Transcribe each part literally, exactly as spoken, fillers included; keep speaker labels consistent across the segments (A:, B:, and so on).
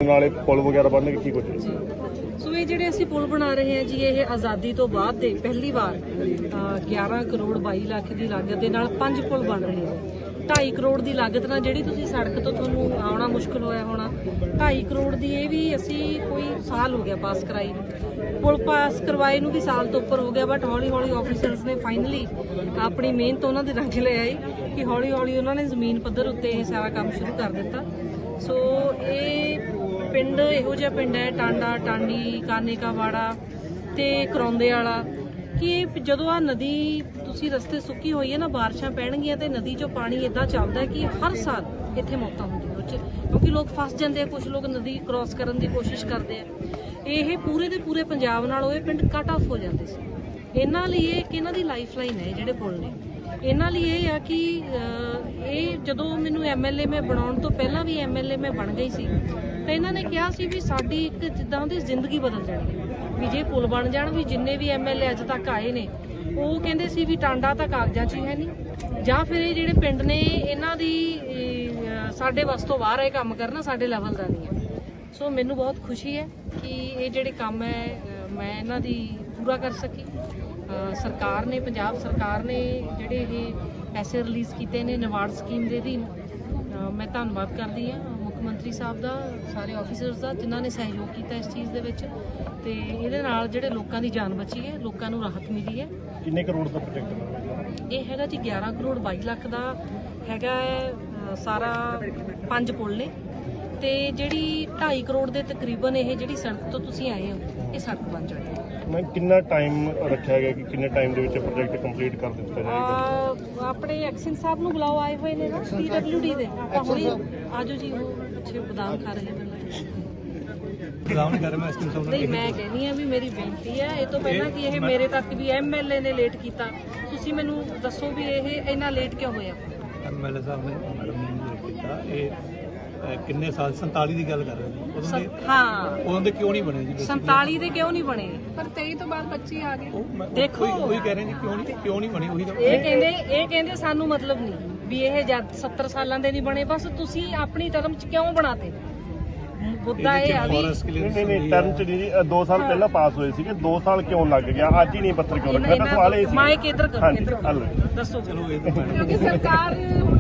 A: नाले पुल वगैरह बनने की कुछ
B: सो ये ਜਿਹੜੇ ਅਸੀਂ ਪੁਲ ਬਣਾ ਰਹੇ ਹਾਂ ਜੀ ਇਹ ਆਜ਼ਾਦੀ ਤੋਂ ਬਾਅਦ ਦੇ ਪਹਿਲੀ ਵਾਰ ਗਿਆਰਾਂ ਕਰੋੜ ਬਾਈ ਲੱਖ ਦੀ ਲਾਗਤ ਦੇ ਨਾਲ ਪੰਜ ਪੁਲ ਬਣ ਰਹੇ ਨੇ। ਢਾਈ ਕਰੋੜ ਦੀ ਲਾਗਤ ਨਾਲ ਜਿਹੜੀ ਤੁਸੀਂ ਸੜਕ ਤੋਂ ਤੁਹਾਨੂੰ ਆਉਣਾ ਮੁਸ਼ਕਲ ਹੋਇਆ ਹੋਣਾ, ਢਾਈ ਕਰੋੜ ਦੀ ਇਹ ਵੀ ਅਸੀਂ ਕੋਈ ਸਾਲ ਹੋ ਗਿਆ ਪਾਸ ਕਰਾਈ ਨੂੰ, ਪੁਲ ਪਾਸ ਕਰਵਾਏ ਨੂੰ ਵੀ ਸਾਲ ਤੋਂ ਉੱਪਰ ਹੋ ਗਿਆ। ਬਟ ਹੌਲੀ ਹੌਲੀ ਆਫੀਸਰਸ ਨੇ ਫਾਈਨਲੀ ਆਪਣੀ ਮਿਹਨਤ ਉਹਨਾਂ ਦੇ ਰੰਗ ਲੈ ਆਈ ਕਿ ਹੌਲੀ ਹੌਲੀ ਉਹਨਾਂ ਨੇ ਜ਼ਮੀਨ ਪੱਧਰ ਉੱਤੇ ਇਹ ਸਾਰਾ ਕੰਮ ਸ਼ੁਰੂ ਕਰ ਦਿੱਤਾ। ਸੋ ਇਹ ਪਿੰਡ ਇਹੋ ਜਿਹਾ ਪਿੰਡ ਹੈ ਟਾਂਡਾ, ਟਾਂਡੀ, ਕਾਨੇਕਾਵਾੜਾ ਤੇ ਕਰੌਂਦੇ ਵਾਲਾ ਕਿ ਜਦੋਂ ਆ ਨਦੀ ਤੁਸੀਂ ਰਸਤੇ ਸੁੱਕੀ ਹੋਈ ਹੈ ਨਾ, ਬਾਰਿਸ਼ਾਂ ਪੈਣਗੀਆਂ ਤੇ ਨਦੀ 'ਚੋਂ ਪਾਣੀ ਇਦਾਂ ਚੱਲਦਾ ਕਿ ਹਰ ਸਾਲ ਇੱਥੇ ਮੌਤਾਂ ਹੁੰਦੀਆਂ ਉਹ 'ਚ, ਕਿਉਂਕਿ ਲੋਕ ਫਸ ਜਾਂਦੇ ਆ, ਕੁਝ ਲੋਕ ਨਦੀ ਕ੍ਰਾਸ ਕਰਨ ਦੀ ਕੋਸ਼ਿਸ਼ ਕਰਦੇ ਆ। ਇਹ ਪੂਰੇ ਦੇ ਪੂਰੇ ਪੰਜਾਬ ਨਾਲ ਉਹ ਪਿੰਡ ਕੱਟ ਆਫ ਹੋ ਜਾਂਦੇ ਸੀ। ਇਹਨਾਂ ਲਈ ਇਹ ਕਿ ਇਹਨਾਂ ਦੀ ਲਾਈਫ ਲਾਈਨ ਹੈ ਜਿਹੜੇ ਪੁਲ ਨੇ। ਇਹਨਾਂ ਲਈ ਇਹ ਆ ਕਿ ਇਹ ਜਦੋਂ ਮੈਨੂੰ ਐਮ ਐਲ ਏ ਮੈਂ ਬਣਾਉਣ ਤੋਂ ਪਹਿਲਾਂ ਵੀ ਐਮ ਐਲ ਏ ਮੈਂ ਬਣ ਗਈ ਸੀ ਤਾਂ ਇਹਨਾਂ ਨੇ ਕਿਹਾ ਸੀ ਵੀ ਸਾਡੀ ਇੱਕ ਜਿੱਦਾਂ ਦੀ ਜ਼ਿੰਦਗੀ ਬਦਲ ਜਾਣੀ ਹੈ ਵੀ ਜੇ ਪੁਲ ਬਣ ਜਾਣ। ਵੀ ਜਿੰਨੇ ਵੀ ਐਮ ਐਲ ਏ ਅੱਜ ਤੱਕ ਆਏ ਨੇ ਉਹ ਕਹਿੰਦੇ ਸੀ ਵੀ ਟਾਂਡਾ ਤਾਂ ਕਾਗਜ਼ਾਂ 'ਚ ਹੀ ਹੈ ਨਹੀਂ, ਜਾਂ ਫਿਰ ਇਹ ਜਿਹੜੇ ਪਿੰਡ ਨੇ ਇਹਨਾਂ ਦੀ ਸਾਡੇ ਵੱਸ ਤੋਂ ਬਾਹਰ ਇਹ ਕੰਮ ਕਰਨਾ ਸਾਡੇ ਲੈਵਲ ਦਾ ਨਹੀਂ ਹੈ। ਸੋ ਮੈਨੂੰ ਬਹੁਤ ਖੁਸ਼ੀ ਹੈ ਕਿ ਇਹ ਜਿਹੜੇ ਕੰਮ ਹੈ ਮੈਂ ਇਹਨਾਂ ਦੀ ਪੂਰਾ ਕਰ ਸਕੀ। ਸਰਕਾਰ ਨੇ, ਪੰਜਾਬ ਸਰਕਾਰ ਨੇ ਜਿਹੜੇ ਇਹ ਪੈਸੇ ਰਿਲੀਜ਼ ਕੀਤੇ ਨੇ ਨਿਵਾੜ ਸਕੀਮ ਦੇ ਅਧੀਨ, ਮੈਂ ਧੰਨਵਾਦ ਕਰਦੀ ਹਾਂ ਮੁੱਖ ਮੰਤਰੀ ਸਾਹਿਬ ਦਾ, ਸਾਰੇ ਆਫੀਸਰਸ ਦਾ ਜਿਨ੍ਹਾਂ ਨੇ ਸਹਿਯੋਗ ਕੀਤਾ ਇਸ ਚੀਜ਼ ਦੇ ਵਿੱਚ। ਤੇ ਇਹਦੇ ਨਾਲ ਜਿਹੜੇ ਲੋਕਾਂ ਦੀ ਜਾਨ ਬਚੀ ਹੈ, ਲੋਕਾਂ ਨੂੰ ਰਾਹਤ ਮਿਲੀ ਹੈ।
A: ਕਿੰਨੇ ਕਰੋੜ ਦਾ ਪ੍ਰੋਜੈਕਟ
B: ਇਹ ਹੈਗਾ ਜੀ ਗਿਆਰਾਂ ਕਰੋੜ ਬਾਈ ਲੱਖ ਦਾ ਹੈਗਾ ਸਾਰਾ, ਪੰਜ ਪੁਲ ਨੇ ਤੇ ਜਿਹੜੀ ਢਾਈ ਕਰੋੜ ਦੇ ਤਕਰੀਬਨ ਇਹ ਜਿਹੜੀ ਸੜਕ ਤੋਂ ਤੁਸੀਂ ਆਏ ਹੋ ਇਹ ਸੜਕ ਬਣ ਜਾਣੀ।
A: ਮੈਂ ਕਿੰਨਾ ਟਾਈਮ ਰੱਖਿਆ ਗਿਆ ਕਿ ਕਿੰਨੇ ਟਾਈਮ ਦੇ ਵਿੱਚ ਪ੍ਰੋਜੈਕਟ ਕੰਪਲੀਟ ਕਰ ਦਿੱਤਾ ਜਾਏਗਾ?
B: ਆਪਣੇ ਐਕਸ਼ਨ ਸਾਹਿਬ ਨੂੰ ਬੁਲਾਓ, ਆਏ ਹੋਏ ਨੇ ਨਾ ਪੀ ਡਬਲਿਊ ਡੀ ਦੇ, ਆਪਾਂ ਹੁਣੇ ਆਜੋ ਜੀ। ਉਹ ਪਿੱਛੇ ਬਦਾਮ ਖਾ ਰਹੇ ਨੇ। ਨਹੀਂ, ਮੈਂ ਕਹਿੰਦੀ ਆ ਵੀ ਮੇਰੀ ਬੇਨਤੀ ਹੈ ਇਹ ਤੋਂ ਪਹਿਲਾਂ ਕਿ ਇਹ ਮੇਰੇ ਤੱਕ ਵੀ ਐਮ ਐਲ ਏ ਨੇ ਲੇਟ ਕੀਤਾ, ਤੁਸੀਂ ਮੈਨੂੰ ਦੱਸੋ ਵੀ ਇਹ ਇੰਨਾ ਲੇਟ ਕਿਉਂ ਹੋਇਆ?
C: ਐਮ ਐਲ ਏ ਸਾਹਿਬ ਨੇ ਮੈਡਮ ਨੇ ਲੇਟ ਕੀਤਾ। ਇਹ ਕਿੰਨੇ ਸਾਲ ਸੰਤਾਲੀ ਦੀ ਗੱਲ ਕਰ ਰਹੇ ਨੇ ਉਦੋਂ ਦੇ?
B: ਹਾਂ,
C: ਉਦੋਂ ਦੇ ਕਿਉਂ ਨਹੀਂ ਬਣੇ ਜੀ?
B: ਸੰਤਾਲੀ ਦੇ ਕਿਉਂ ਨਹੀਂ ਬਣੇ?
D: ਪਰ ਤੇਈ ਤੋਂ ਬਾਅਦ ਪੱਚੀ ਆ ਗਏ।
B: ਦੇਖੋ
C: ਉਹੀ ਕਹਿ ਰਹੇ ਨੇ ਕਿਉਂ ਨਹੀਂ ਕਿਉਂ ਨਹੀਂ ਬਣੀ। ਉਹੀ
B: ਇਹ ਕਹਿੰਦੇ ਇਹ ਕਹਿੰਦੇ ਸਾਨੂੰ ਮਤਲਬ ਨਹੀਂ ਵੀ ਇਹ ਜਦ ਸੱਤਰ ਸਾਲਾਂ ਦੇ ਨਹੀਂ ਬਣੇ, ਬਸ ਤੁਸੀਂ ਆਪਣੀ ਟਰਮ 'ਚ ਕਿਉਂ ਬਣਾਤੇ? ਮੁੱਦਾ ਇਹ ਆ ਵੀ
A: ਨਹੀਂ ਨਹੀਂ ਟਰਮ 'ਚ ਨਹੀਂ ਜੀ, ਦੋ ਸਾਲ ਪਹਿਲਾਂ ਪਾਸ ਹੋਏ ਸੀਗੇ, ਦੋ ਸਾਲ ਕਿਉਂ ਲੱਗ ਗਿਆ? ਅੱਜ ਹੀ ਨਹੀਂ ਪੱਤਰ ਕਿਉਂ ਰੱਖਿਆ? ਤਾਂ ਸਵਾਲ ਇਹ ਸੀ।
B: ਮਾਈਕ ਇੱਧਰ ਕਰੋ, ਇੱਧਰ ਦੱਸੋ।
C: ਚਲੋ ਇਹ ਤਾਂ
D: ਕਿਉਂਕਿ ਸਰਕਾਰ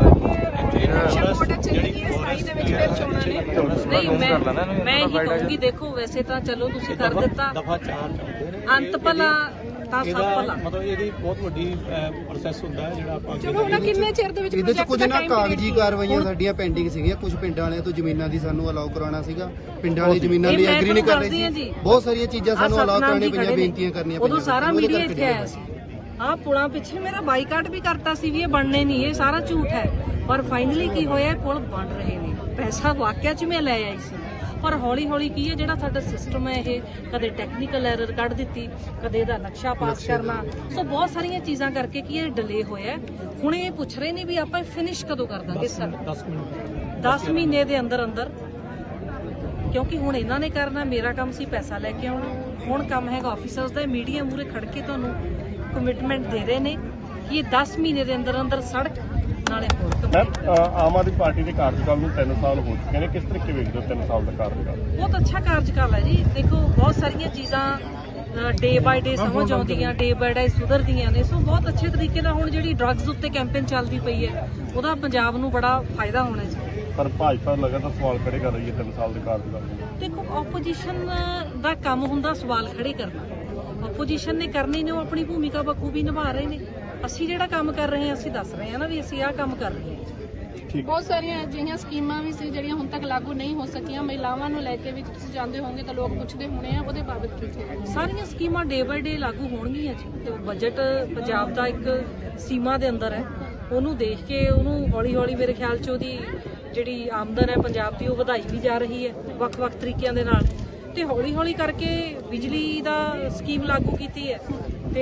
B: ਨਹੀਂ, ਮੈਂ ਮੈਂ ਹੀ ਕਹੂੰਗੀ ਦੇਖੋ ਵੈਸੇ ਤਾਂ ਚਲੋ ਤੁਸੀਂ ਕਰ ਦਿੱਤਾ,
C: ਦਫਾ ਚਾਰ ਚਾਹੁੰਦੇ ਨੇ
B: ਅੰਤ ਭਲਾ ਤਾਂ ਸਭ ਭਲਾ।
C: ਮਤਲਬ ਇਹਦੀ ਬਹੁਤ ਵੱਡੀ ਪ੍ਰੋਸੈਸ ਹੁੰਦਾ ਹੈ ਜਿਹੜਾ ਆਪਾਂ
D: ਚਲੋ ਹੁਣ ਕਿੰਨੇ ਚਿਰ ਦੇ ਵਿੱਚ
E: ਇਹਦੇ ਚ ਕੁਝ ਨਾ ਕਾਗਜ਼ੀ ਕਾਰਵਾਈਆਂ ਸਾਡੀਆਂ ਪੈਂਡਿੰਗ ਸੀਗੀਆਂ। ਕੁਝ ਪਿੰਡਾਂ ਵਾਲਿਆਂ ਤੋਂ ਜ਼ਮੀਨਾਂ ਦੀ ਸਾਨੂੰ ਅਲਾਉ ਕਰਾਉਣਾ ਸੀਗਾ, ਪਿੰਡਾਂ ਵਾਲੀ ਜ਼ਮੀਨਾਂ ਲਈ ਐਗਰੀ ਨਹੀਂ ਕਰ ਰਹੇ ਸੀ। ਬਹੁਤ ਸਾਰੀਆਂ ਚੀਜ਼ਾਂ ਸਾਨੂੰ ਅਲਾਉ ਕਰਾਉਣੀ ਪਈਆਂ, ਬੇਨਤੀਆਂ ਕਰਨੀਆਂ ਪਈਆਂ।
B: ਉਦੋਂ ਸਾਰਾ ਮੀਡੀਆ ਇੱਥੇ ਆਇਆ ਸੀ। ਆਹ ਪੁਲਾਂ ਪਿੱਛੇ ਮੇਰਾ ਬਾਈਕਾਟ ਵੀ ਕਰਤਾ ਸੀ ਵੀ ਇਹ ਬਣਨੇ ਨਹੀਂ, ਇਹ ਸਾਰਾ ਝੂਠ ਹੈ। ਪਰ ਫਾਈਨਲੀ ਕੀ ਹੋਇਆ, ਪੁਲ ਬਣ ਰਹੇ ਨੇ। ਪੈਸਾ ਵਾਕਿਆ 'ਚ ਮੈਂ ਲੈ ਆਈ ਸੀ, ਪਰ ਹੌਲੀ ਹੌਲੀ ਕੀ ਹੈ ਜਿਹੜਾ ਸਾਡਾ ਸਿਸਟਮ ਹੈ ਇਹ ਕਦੇ ਟੈਕਨੀਕਲ ਐਰਰ ਕੱਢ ਦਿੱਤੀ, ਕਦੇ ਇਹਦਾ ਨਕਸ਼ਾ ਪਾਸ ਕਰਨਾ, ਸੋ ਬਹੁਤ ਸਾਰੀਆਂ ਚੀਜ਼ਾਂ ਕਰਕੇ ਕੀ ਇਹ ਡਿਲੇ ਹੋਇਆ। ਹੁਣ ਇਹ ਪੁੱਛ ਰਹੇ ਨੇ ਵੀ ਆਪਾਂ ਫਿਨਿਸ਼ ਕਦੋਂ ਕਰ ਦਾਂਗੇ? ਸਰ ਦਸ ਮਹੀਨੇ ਦੇ ਅੰਦਰ ਅੰਦਰ, ਕਿਉਂਕਿ ਹੁਣ ਇਹਨਾਂ ਨੇ ਕਰਨਾ, ਮੇਰਾ ਕੰਮ ਸੀ ਪੈਸਾ ਲੈ ਕੇ ਆਉਣਾ। ਹੁਣ ਕੰਮ ਹੈਗਾ ਆਫੀਸਰਸ ਦਾ। ਮੀਡੀਆ ਮੂਹਰੇ ਖੜ ਕੇ ਤੁਹਾਨੂੰ ਕਮਿਟਮੈਂਟ ਦੇ ਰਹੇ ਨੇ ਕਿ ਇਹ ਦਸ ਮਹੀਨੇ ਦੇ ਅੰਦਰ ਅੰਦਰ ਸੜਕ ਨਾਲੇ ਹੋਰ।
A: ਆਮ ਆਦਮੀ ਪਾਰਟੀ ਦੇ ਕਾਰਜਕਾਲ ਨੂੰ ਤਿੰਨ ਸਾਲ ਹੋ ਚੁੱਕੇ ਨੇ, ਕਿਸ ਤਰੀਕੇ ਵੇਖਦੇ ਹੋ ਤਿੰਨ ਸਾਲ ਦਾ ਕਾਰਜਕਾਲ?
B: ਬਹੁਤ ਅੱਛਾ ਕਾਰਜਕਾਲ ਹੈ ਜੀ। ਦੇਖੋ ਬਹੁਤ ਸਾਰੀਆਂ ਚੀਜ਼ਾਂ ਡੇ ਬਾਏ ਡੇ ਸਮਝ ਆਉਂਦੀਆਂ, ਡੇ ਬਾਏ ਡੇ ਸੁਧਰਦੀਆਂ ਨੇ। ਸੋ ਬਹੁਤ ਅੱਛੇ ਤਰੀਕੇ ਨਾਲ ਹੁਣ ਜਿਹੜੀ ਡਰੱਗਸ ਉੱਤੇ ਕੈਂਪੇਨ ਚੱਲਦੀ ਪਈ ਹੈ ਉਹਦਾ ਪੰਜਾਬ ਨੂੰ ਬੜਾ ਫਾਇਦਾ ਹੋਣਾ ਜੀ।
A: ਪਰ ਭਾਜਪਾ ਲਗਾਤਾਰ ਸਵਾਲ ਖੜੇ ਕਰ ਰਹੀ ਹੈ ਤਿੰਨ ਸਾਲ ਦੇ ਕਾਰਜਕਾਲ ਨੂੰ।
B: ਦੇਖੋ ਆਪੋਜੀਸ਼ਨ ਦਾ ਕੰਮ ਹੁੰਦਾ ਸਵਾਲ ਖੜੇ ਕਰਨਾ, ਆਪੋਜੀਸ਼ਨ ਨੇ ਕਰਨੇ ਨੇ, ਉਹ ਆਪਣੀ ਭੂਮਿਕਾ ਬਖੂਬੀ ਨਿਭਾ ਰਹੇ ਨੇ। ਅਸੀਂ ਜਿਹੜਾ ਕੰਮ ਕਰ ਰਹੇ ਹਾਂ ਅਸੀਂ ਦੱਸ ਰਹੇ ਹਾਂ ਨਾ ਵੀ ਅਸੀਂ ਆਹ ਕੰਮ ਕਰ ਰਹੇ ਹਾਂ।
D: ਬਹੁਤ ਸਾਰੀਆਂ ਅਜਿਹੀਆਂ ਸਕੀਮਾਂ ਵੀ ਸੀ ਜਿਹੜੀਆਂ ਹੁਣ ਤੱਕ ਲਾਗੂ ਨਹੀਂ ਹੋ ਸਕੀਆਂ। ਮਹਿਲਾਵਾਂ ਨੂੰ ਲੈ ਕੇ ਵੀ ਤੁਸੀਂ ਜਾਣਦੇ ਹੋਵੋਗੇ ਤਾਂ ਲੋਕ ਪੁੱਛਦੇ ਹੋਣੇ ਆ, ਉਹਦੇ ਬਾਬਤ ਕੀ?
B: ਸਾਰੀਆਂ ਸਕੀਮਾਂ ਡੇ ਬਾਏ ਡੇ ਲਾਗੂ ਹੋਣਗੀਆਂ ਜੀ। ਤੇ ਬਜਟ ਪੰਜਾਬ ਦਾ ਇੱਕ ਸੀਮਾ ਦੇ ਅੰਦਰ ਹੈ, ਉਹਨੂੰ ਦੇਖ ਕੇ ਉਹਨੂੰ ਹੌਲੀ ਹੌਲੀ ਮੇਰੇ ਖਿਆਲ 'ਚ ਉਹਦੀ ਜਿਹੜੀ ਆਮਦਨ ਹੈ ਪੰਜਾਬ ਦੀ ਉਹ ਵਧਾਈ ਵੀ ਜਾ ਰਹੀ ਹੈ ਵੱਖ-ਵੱਖ ਤਰੀਕਿਆਂ ਦੇ ਨਾਲ। ਤੇ ਹੌਲੀ ਹੌਲੀ ਕਰਕੇ ਬਿਜਲੀ ਦਾ ਸਕੀਮ ਲਾਗੂ ਕੀਤੀ ਹੈ ਤੇ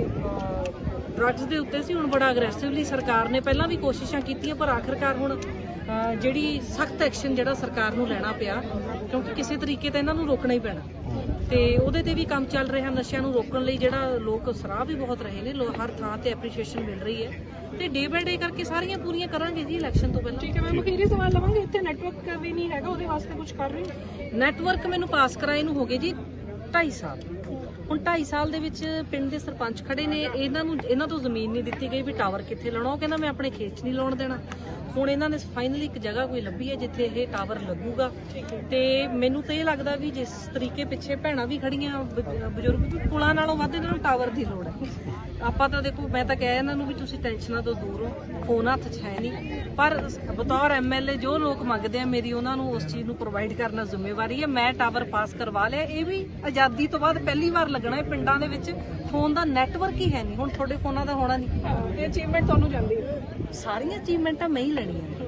B: ਡਰੱਗਸ ਦੇ ਉੱਤੇ ਸੀ ਹੁਣ ਬੜਾ ਅਗਰੈਸਿਵਲੀ ਸਰਕਾਰ ਨੇ ਪਹਿਲਾਂ ਵੀ ਕੋਸ਼ਿਸ਼ਾਂ ਕੀਤੀਆਂ, ਪਰ ਆਖਿਰਕਾਰ ਹੁਣ ਜਿਹੜੀ ਸਖਤ ਐਕਸ਼ਨ ਜਿਹੜਾ ਸਰਕਾਰ ਨੂੰ ਲੈਣਾ ਪਿਆ, ਕਿਉਂਕਿ ਕਿਸੇ ਤਰੀਕੇ ਤੇ ਇਹਨਾਂ ਨੂੰ ਰੋਕਣਾ ਹੀ ਪੈਣਾ। ਤੇ ਉਹਦੇ ਤੇ ਵੀ ਕੰਮ ਚੱਲ ਰਿਹਾ। ਨਸ਼ਿਆਂ ਨੂੰ ਰੋਕਣ ਲਈ ਜਿਹੜਾ ਲੋਕ ਸਰਾਹ ਵੀ ਬਹੁਤ ਰਹੇ ਨੇ, ਹਰ ਥਾਂ ਤੇ ਐਪਰੀਸ਼ੀਏਸ਼ਨ ਮਿਲ ਰਹੀ ਹੈ। ਤੇ ਡੇ ਬਾਏ ਡੇ ਕਰਕੇ ਸਾਰੀਆਂ ਪੂਰੀਆਂ ਕਰਾਂਗੇ ਜੀ ਇਲੈਕਸ਼ਨ ਤੋਂ ਪਹਿਲਾਂ।
D: ਠੀਕ ਹੈ, ਮੈਂ ਅਖੀਰੀ ਸਵਾਲ ਲਵਾਂਗੇ, ਇੱਥੇ ਨੈਟਵਰਕ ਵੀ ਨਹੀਂ ਹੈਗਾ, ਉਹਦੇ ਵਾਸਤੇ ਕੁਝ ਕਰ ਰਹੇ ਹੋ?
B: ਨੈਟਵਰਕ ਮੈਨੂੰ ਪਾਸ ਕਰਾਏ ਨੂੰ ਹੋ ਗਏ ਜੀ ਢਾਈ ਸਾਲ। ਹੁਣ ਢਾਈ ਸਾਲ ਦੇ ਵਿੱਚ ਪਿੰਡ ਦੇ ਸਰਪੰਚ ਖੜੇ ਨੇ, ਇਹਨਾਂ ਨੂੰ ਇਹਨਾਂ ਤੋਂ ਜ਼ਮੀਨ ਨਹੀਂ ਦਿੱਤੀ ਗਈ ਵੀ ਟਾਵਰ ਕਿੱਥੇ ਲਾਉਣਾ। ਉਹ ਕਹਿੰਦਾ ਮੈਂ ਆਪਣੇ ਖੇਤ 'ਚ ਨਹੀਂ ਲਾਉਣ ਦੇਣਾ। ਹੁਣ ਇਹਨਾਂ ਨੇ ਫਾਈਨਲੀ ਇੱਕ ਜਗ੍ਹਾ ਕੋਈ ਲੱਭੀ ਹੈ ਜਿੱਥੇ ਇਹ ਟਾਵਰ ਲੱਗੂਗਾ। ਤੇ ਮੈਨੂੰ ਤਾਂ ਇਹ ਲੱਗਦਾ ਵੀ ਜਿਸ ਤਰੀਕੇ ਪਿੱਛੇ ਭੈਣਾਂ ਵੀ ਖੜੀਆਂ, ਬ- ਬਜ਼ੁਰਗ ਵੀ, ਪੁਲਾਂ ਨਾਲੋਂ ਵੱਧ ਇਹਨਾਂ ਨੂੰ ਟਾਵਰ ਦੀ ਲੋੜ ਹੈ। ਆਪਾਂ ਤਾਂ ਦੇਖੋ, ਮੈਂ ਤਾਂ ਕਿਹਾ ਇਹਨਾਂ ਨੂੰ ਵੀ ਤੁਸੀਂ ਟੈਨਸ਼ਨਾਂ ਤੋਂ ਦੂਰ ਹੋ, ਫੋਨ ਹੱਥ 'ਚ ਹੈ ਨਹੀਂ, ਪਰ ਬਤੌਰ ਐਮਐਲਏ ਜੋ ਲੋਕ ਮੰਗਦੇ ਆ ਮੇਰੀ ਉਹਨਾਂ ਨੂੰ ਉਸ ਚੀਜ਼ ਨੂੰ ਪ੍ਰੋਵਾਈਡ ਕਰਨਾ ਜ਼ਿੰਮੇਵਾਰੀ ਹੈ। ਮੈਂ ਟਾਵਰ ਪਾਸ ਕਰਵਾ ਲਿਆ, ਇਹ ਵੀ ਆਜ਼ਾਦੀ ਤੋਂ ਬਾਅਦ ਪਹਿਲੀ ਵਾਰ ਲੱਗਣਾ ਹੈ। ਪਿੰਡਾਂ ਦੇ ਵਿੱਚ ਫੋਨ ਦਾ ਨੈਟਵਰਕ ਹੀ ਹੈ ਨਹੀਂ, ਹੁਣ ਤੁਹਾਡੇ ਫੋਨਾਂ ਦਾ ਹੋਣਾ ਨਹੀਂ।
D: ਇਹ ਅਚੀਵਮੈਂਟ ਤੁਹਾਨੂੰ ਜਾਂਦੀ ਹੈ?
B: ਸਾਰੀਆਂ ਅਚੀਵਮੈਂਟਾਂ ਮੈਂ ਹੀ ਲੈਣੀਆਂ।